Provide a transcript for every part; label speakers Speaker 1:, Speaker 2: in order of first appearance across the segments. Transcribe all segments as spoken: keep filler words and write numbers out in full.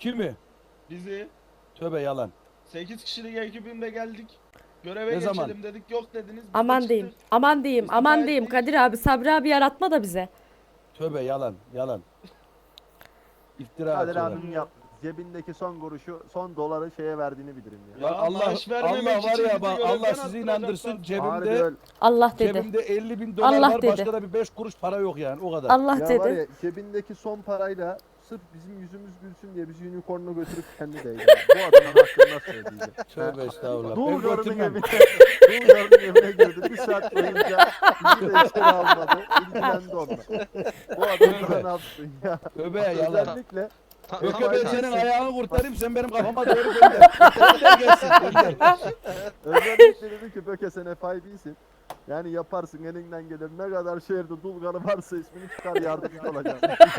Speaker 1: Kimi?
Speaker 2: Bizi
Speaker 1: Tövbe yalan.
Speaker 2: sekiz kişilik ekibimle geldik. Göreve
Speaker 1: Ne
Speaker 2: geçelim
Speaker 1: zaman?
Speaker 2: dedik. Yok dediniz. Biz de
Speaker 3: Aman
Speaker 2: çıktık.
Speaker 3: diyeyim. Aman diyeyim.
Speaker 2: İstifa
Speaker 3: Aman diyeyim.
Speaker 2: ettik.
Speaker 3: Kadir abi, Sabri abi yaratma da bize.
Speaker 1: Tövbe yalan. Yalan. İftira
Speaker 4: Kadir
Speaker 1: atıyorlar.
Speaker 4: abim yap. Cebindeki son kuruşu, son doları şeye verdiğini bilirim ya.
Speaker 1: Ya
Speaker 2: Ya
Speaker 1: Allah
Speaker 2: maaş vermemek
Speaker 1: Allah var
Speaker 2: için
Speaker 1: ya
Speaker 2: bizi
Speaker 1: bak
Speaker 2: görevden
Speaker 1: Allah sizi inandırsın
Speaker 2: attıracaklar.
Speaker 4: Harbi
Speaker 1: cebimde
Speaker 4: öyle.
Speaker 3: Allah dedi.
Speaker 1: cebimde elli bin dolar
Speaker 3: Allah
Speaker 1: var
Speaker 3: dedi.
Speaker 1: başka da bir beş kuruş para yok yani o kadar.
Speaker 3: Allah
Speaker 4: Ya
Speaker 3: dedi.
Speaker 4: var ya cebindeki son parayla sırf bizim yüzümüz gülsün diye bizi unicorn'a götürüp kendi değdi. Bu adamın hakkını nasıl ödeyeceğim?
Speaker 1: Tövbe estağfurullah. Ben
Speaker 4: Dulgar'ın
Speaker 1: götürmem.
Speaker 4: evine, Dulgar'ın evine girdi. Bir saat boyunca bizi de içeri almadı. İlgilendi onunla. Bu adam da ne yapsın ya?
Speaker 1: Tövbe yalan.
Speaker 4: Özellikle
Speaker 1: Yok ben
Speaker 4: Aynen.
Speaker 1: senin ayağını kurtarayım sen benim kafama doğru gönder. Gönder gelsin gönder.
Speaker 4: özellikle dedi ki Böke sen F I B'sin. Yani yaparsın elinden gelir. Ne kadar şehirde Dulgar'ı varsa ismini çıkar yardımcı olacağım.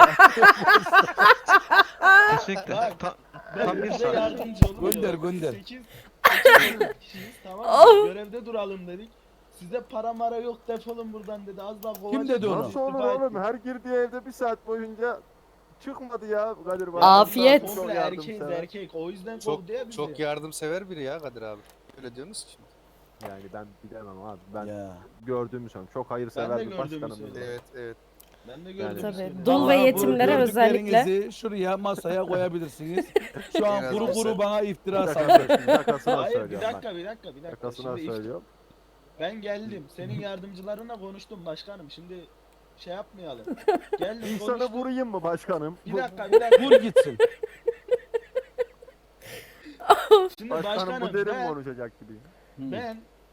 Speaker 5: Kesinlikle.
Speaker 2: Bak,
Speaker 5: Ta-
Speaker 2: Ben
Speaker 5: tam bir
Speaker 2: bize
Speaker 5: saat.
Speaker 2: yardımcı olun.
Speaker 1: Gönder, gönder.
Speaker 2: sekiz kişiyiz tamam
Speaker 3: Oh.
Speaker 2: mı? Görevde duralım dedik. Size para mara yok defolun buradan dedi. Az daha kovaç.
Speaker 1: dedi onu?
Speaker 4: Nasıl olur oğlum? Her girdiği evde bir saat boyunca çıkmadı ya Kadir Bey.
Speaker 3: Afiyet.
Speaker 4: Çok
Speaker 2: Komple erkeğiz
Speaker 4: yardımsever.
Speaker 2: erkek. O yüzden
Speaker 6: Çok
Speaker 2: kovdu ya bizi.
Speaker 6: çok yardımsever biri ya Kadir abi. Öyle diyorsunuz ki şimdi.
Speaker 4: Yani ben bilemem abi. Ben
Speaker 1: Ya.
Speaker 4: gördüğümü söylüyorum. Çok hayırsever
Speaker 2: Ben de
Speaker 4: bir
Speaker 2: gördüğümü
Speaker 4: başkanım.
Speaker 2: söylüyorum.
Speaker 6: Evet evet.
Speaker 2: Ben de gördüm.
Speaker 3: Tabii.
Speaker 2: seni.
Speaker 3: Dul ve
Speaker 1: Vallahi bu
Speaker 3: yetimlere özellikle.
Speaker 1: gördüklerinizi şuraya masaya koyabilirsiniz. Şu an
Speaker 6: En
Speaker 1: kuru
Speaker 6: azından.
Speaker 1: kuru bana iftira
Speaker 4: Şakasına,
Speaker 1: sallıyor.
Speaker 4: şakasına
Speaker 2: Hayır bir
Speaker 4: söylüyorum ben.
Speaker 2: dakika bir dakika bir dakika.
Speaker 4: Şakasına
Speaker 2: Şimdi if-
Speaker 4: söylüyorum.
Speaker 2: ben geldim. Senin yardımcılarına konuştum başkanım. Şimdi şey yapmayalım. Geldim
Speaker 4: İnsanı
Speaker 2: konuştum.
Speaker 4: vurayım mı başkanım?
Speaker 2: Bir
Speaker 4: Bu-
Speaker 2: dakika bir dakika.
Speaker 1: Vur gitsin.
Speaker 2: Şimdi
Speaker 4: Başkanım
Speaker 2: başkanım
Speaker 4: bu derin
Speaker 2: ben,
Speaker 4: konuşacak gibi.
Speaker 2: ben